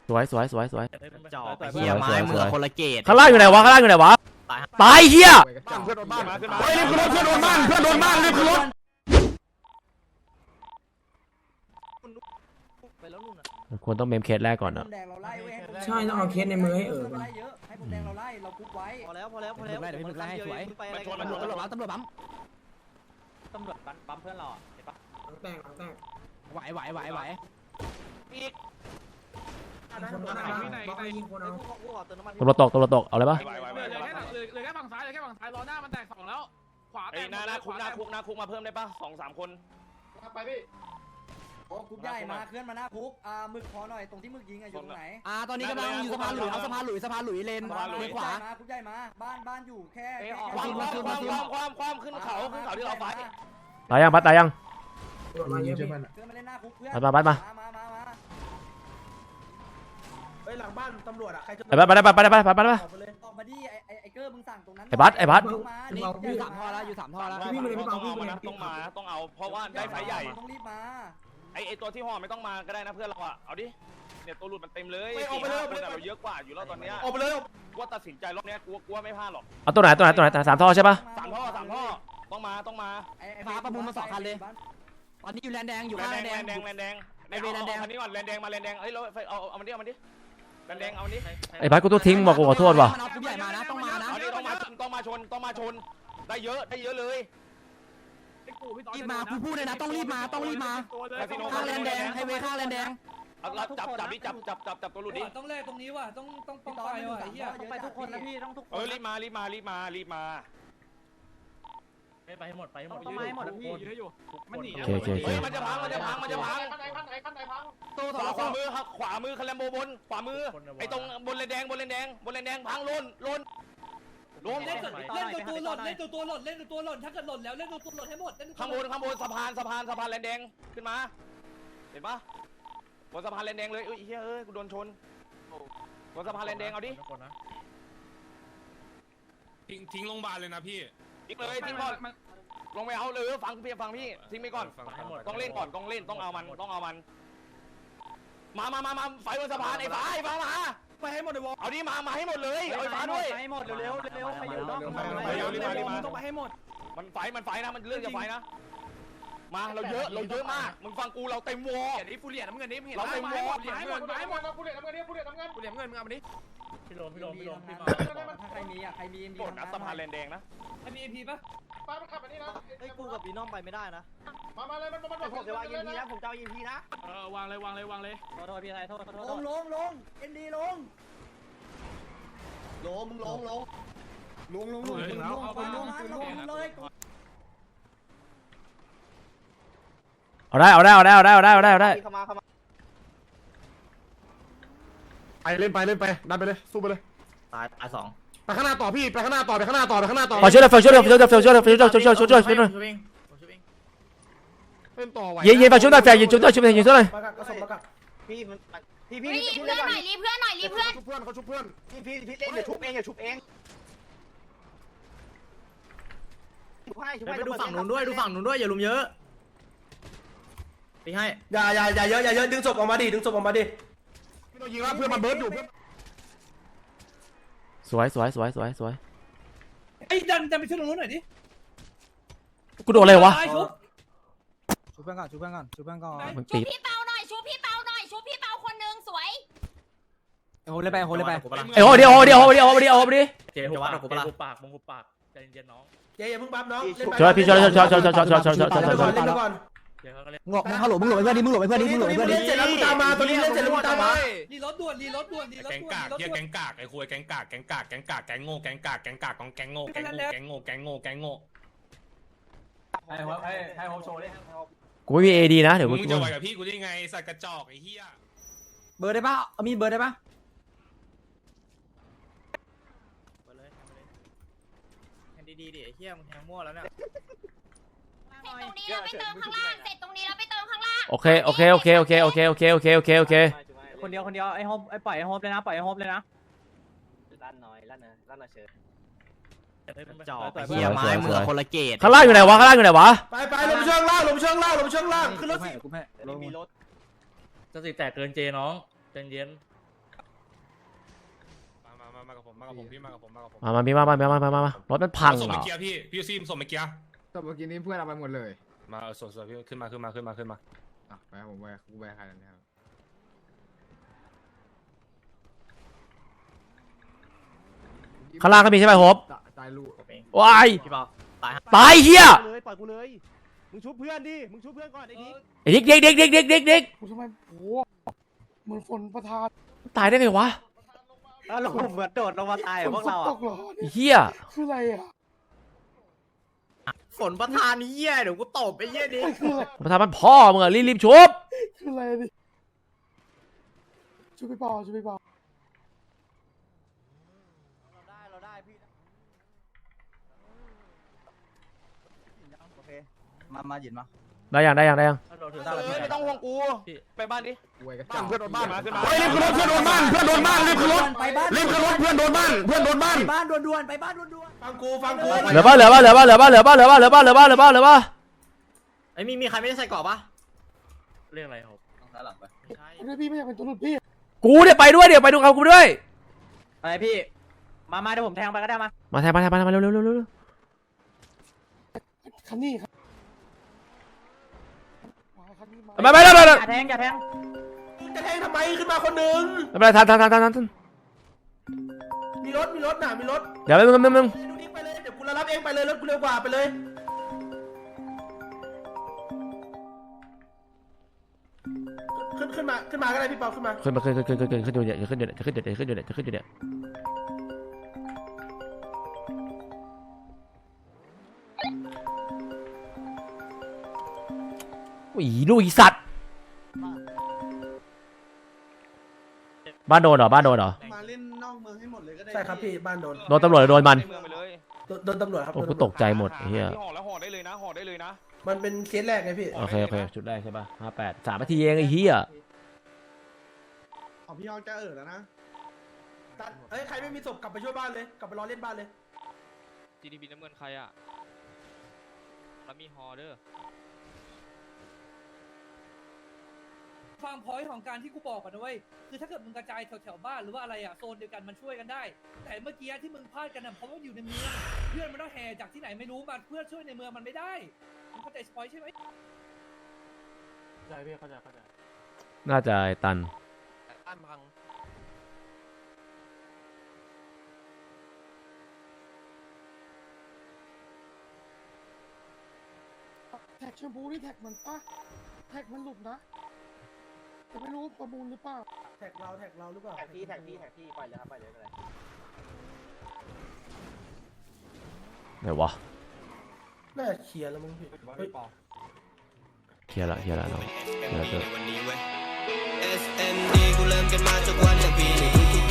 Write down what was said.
สวยจ่อเฮียไม้มือคนละเกตข้างล่างอยู่ไหนวะตายเฮียเพื่อนโดนบ้านมาขึ้นมารีบขึ้นรถเพื่อนโดนบ้านรีบขึ้นรถควรต้องเมมเคสแรกก่อนนะใช่ต้องเอาเคสในมือให้ให้ผมแดงเราไล่เราคุกไว้พอแล้วเดี๋ยวพี่มึกไล่ให้สวยมันชนตำรวจบั๊มเพื่อนเราเห็นปะแตกไหวอีกยิงคนเอาตัวตกเอาเลยปะเลยแค่ฝั่งซ้ายล้อหน้ามันแตก2แล้วขวาแตกหน้าคุกมาเพิ่มได้ปะ2-3 คนไปพี่โอ้คุกใหญ่มาเคลื่อนมาหน้าคุกมึกพอหน่อยตรงที่มึกยิงอยู่ตรงไหนตอนนี้กำลังอยู่สะพานหลุยเลนขวาคุกใหญ่มาบ้านอยู่แค่ความขึ้นเขาที่เราไฟตายยังพัดตายยังมาเยอะเคลื่อนมาเล่นหน้าคุกเพื่อนพัดมาเฮ้ยหลังบ้านตำรวจอะใครจะไปออกมาดิไอ้เกอร์มึงสั่งตรงนั้นไอ้บัสอยู่3ท่อแล้วต้องเอาเพราะว่าได้ไฟใหญ่ต้องรีบมาไอตัวที่ห่อไม่ต้องมาก็ได้นะเพื่อนเราอ่ะเอาดิเนี่ยตัวหลุดมันเต็มเลย4-5 คนเราเยอะกว่าอยู่แล้วตอนนี้ออกไปเลยว่าตัดสินใจรอบนี้กลัวไม่พลาดหรอกเอาตัวไหน3 ท่อใช่ปะ 3 ท่อต้องมาพาประมูลมา2 คันเลยตอนนี้อยู่แลนแดงอยู่ข้างแลนแดงคันนี้ก่อนแลนแดงมาแลนแดงเฮ้ยเราเอามันดิแลนแดงเอาดิไอ้บัสกูต้องทิ้งบอกกูขอโทษว่ะมันเอาผู้ใหญ่มานะต้องมานะต้องมาชนได้เยอะเลยรีบมาพูดเลยนะต้องรีบมาข้างแลนแดงไฮเวย์ข้างแลนแดงจับตัวหลุดดิต้องแลกตรงนี้ว่ะต้องไปว่ะไอ้เหี้ยต้องไปทุกคนนะพี่ต้องทุกคนรีบมาไปให้หมดต้องมาให้หมดพี่ยืนให้อยู่มันหนีโอเคเฮ้ยมันจะพังขวามือคาแลมโบบนขวามือไอ้ตรงบนเลนแดงพังล้นเล่นตัวหล่นถ้าเกิดหล่นแล้วเล่นตัวหล่นให้หมดข้างบนสะพานเลนแดงขึ้นมาเห็นปะบนสะพานเลนแดงเลยเฮ้ยกูโดนชนบนสะพานเลนแดงเอาดิทิ้งโรงพยาบาลเลยนะพี่ทิ้งเลยทิ้งก่อนลงไปเอาเลยฟังพี่ทิ้งไปก่อนต้องเล่นก่อนต้องเอามันมาไฟบนสะพานไอ้ฟ้ามาไปให้หมดเลยวะเอาดิมาให้หมดเลยเอาไอ้ฟ้าด้วยให้หมดเร็วใครอยู่นอกต้องไปให้หมดมันไฟนะมันเรื่องจะไฟนะมาเราเยอะมากมึงฟังกูเราเต็มวอร์นี่ฟูเรียน้ำเงินนี่เห็นเราเต็มวอร์ให้หมดฟูเรียน้ำเงินมึงเอามาดิพี่ลมถ้าใครมีใครมีกดนะสะพานแลนแดงนะไอ้มีเอ็มพีป่ะป้ามันขับมานี่นะไอ้กูกับบีน้องไปไม่ได้นะมาเลยผมจะวางยิงทีนะผมจะยิงทีนะวางเลยโทษพี่ไทยโทษลงเอ็นดีลงมึงลงเลยเอาได้ไปเล่นไปดันไปเลยสู้ไปเลยตาย 2ไปข้างหน้าต่อพี่ไปข้างหน้าต่อไปช่วยช่วยเล่นต่อไหวยิงไปช่วยหน่อยแฟนยิงช่วยหน่อยพี่รีเพื่อนหน่อยเขาชุบเพื่อนพี่เล่นอย่าชุบเองไปดูฝั่งนู้นด้วยอย่าลุมเยอะพี่ให้อย่าเยอะดึงศพออกมาดิพี่ต้องยิงแล้วเพื่อนมันเบิร์ดอยู่เพื่อนสวยไอ้ดันไปช่วยตรงนู้นหน่อยดิกูโดนอะไรวะชูพี่เปาหน่อยชูพี่เปาคนนึงสวยโหเลยไปเดี๋ยวเจ๊วัดกูปากใจเย็นน้องเจ๊อย่าเพิ่งปั๊บน้องช่วยพี่ช่วยงอกฮัลโหลมึงหลบไปเพื่อนดิเล่นเสร็จแล้วมึงตามมาตัวนี้เล่นเสร็จแล้วมึงตามมารีรถด่วนแก๊งกากเฮียแก๊งกากไอ้คุยแก๊งกากแก๊งโง่แก๊งกากของแก๊งโง่ให้โฮโชว์ดิกูไม่มีเอดีนะเดี๋ยวมึงจะไหวกับพี่กูได้ไงสัตว์กระจอกไอ้เหี้ยเบอร์ได้ป่ะมีเบอร์ได้ป่ะแทงดีๆดิไอ้เหี้ยมึงแทงมั่วแล้วเนี่ยเสร็จตรงนี้แล้วไปเติมข้างล่างโอเคคนเดียวไอ้โฮมไอ้ปล่อยไอ้โฮมเลยนะลั่นหน่อยเชิญจ่อเฮียไม้มือคนละเกตข้างล่างอยู่ไหนวะไปลงช่องล่างขึ้นรถสิมีรถจะสิแตกเกินเจน้องใจเย็นมากับผมพี่มากับผมมาพี่มารถมันพังส่งเหรไปอเกียร์พี่ซีมส่งไปเกียร์แต่เมื่อกี้นี้เพื่อนเอาไปหมดเลยมาส่งพี่ขึ้นมาอ่ะไปผมไปกูไปใครแล้วเนี่ยข้างล่างก็มีใช่ไหมโฮปตายลูกว้ายพี่เปาตายตายเฮียเลยปล่อยกูเลยมึงชุบเพื่อนดิมึงชุบเพื่อนก่อนไอ้ดิไอ้เด็กกูทำไมโอ้เหมือนฝนประทานตายได้ไงวะแล้วลงเหมือนโดดลงมาตายพวกเราตอ่ะกเหรอไอ้เฮียคืออะไรอ่ะฝนประทานนี้เหี้ยเดี๋ยวกูตบไอ้เหี้ยดิคืออะไรมาทำมันพ่อมึงอะรีบชุบคืออะไรดิช่วยไปเปล่าเราได้พี่โอเคมาหยินมาได้ยังเราถือตาไม่ต้องห่วงกูไปบ้านดิกูไปกับบ้านเพื่อนโดนบ้านมาขึ้นมาเฮ้ยรีบขึ้นรถเพื่อนโดนบ้านเพื่อนโดนบ้านรีบขึ้นรถไปบ้านรีบขึ้นรถเพื่อนโดนบ้านเพื่อนโดนบ้านไปบ้านด่วนๆไปบ้านด่วนฟังกูเหลือป่ะไอ้มีใครไม่ได้ใส่กรอบปะเรื่องอะไรครับด้านหลังไปคุณพี่ไม่อยากเป็นตัวหลุดพี่กูเนี่ยไปด้วยไปดูกับกูด้วยอะไรพี่มาเดี๋ยวผมแทงไปก็ได้มาแทงมาเร็วคันนี้ครับคันนี้มาไม่อย่าแทงจะแทงทำไมขึ้นมาคนหนึ่งเป็นไรทันมีรถน่ะมีรถเดี๋ยวมึงดูนี่ไปเลยเดี๋ยวกูรับเองไปเลยรถกูเร็วกว่าไปเลยขึ้นมาก็ได้พี่เปาขึ้นมาขึ้นอยู่เนี่ยอีลูกอีสัตว์บ้านโดนเหรอมาเล่นนอกเมืองให้หมดเลยก็ได้ใช่ครับพี่บ้านโดนโดนตำรวจโดนมันเมืองไปเลยโดนตำรวจครับโอ้กูตกใจหมดไอ้เฮียห่อแล้วห่อได้เลยนะมันเป็นเคสแรกไงพี่โอเคชุดแรกใช่ป่ะ58 3 นาทีเองไอ้เฮียของพี่ยองจะแล้วนะเฮ้ยใครไม่มีศพกลับไปช่วยบ้านเลยกลับไปรอเล่นบ้านเลย GDP น้ำเงินใครอ่ะแล้วมีฮอเด้อฟังพอยต์ของการที่กูบอกก่อนนะเว้ยคือถ้าเกิดมึงกระจายแถวๆบ้านหรือว่าอะไรอะโซนเดียวกันมันช่วยกันได้ แต่เมื่อกี้ที่มึงพลาดกันน่ะเพราะว่าอยู่ในเมืองเพื่อนมันต้องแห่จากที่ไหนไม่รู้มาเพื่อช่วยในเมืองมันไม่ได้มึงเข้าใจสปอยใช่ไหมน่าจะไอ้ตันบ้านพังแท็กชมพูนี่แท็กมันปะแท็กมันหลุดนะแต่ไม่รู้ประมูลหรือเปล่าแท็กเราหรือเปล่าแท็กพี่ปล่อยเลยครับปล่อยเลยไหนวะน่าเคลียร์แล้วมั้งพี่เฮ้ยเคลียร์ละน้องเคลียร์ละ SMD กูเริ่มกันมาจากวันละปี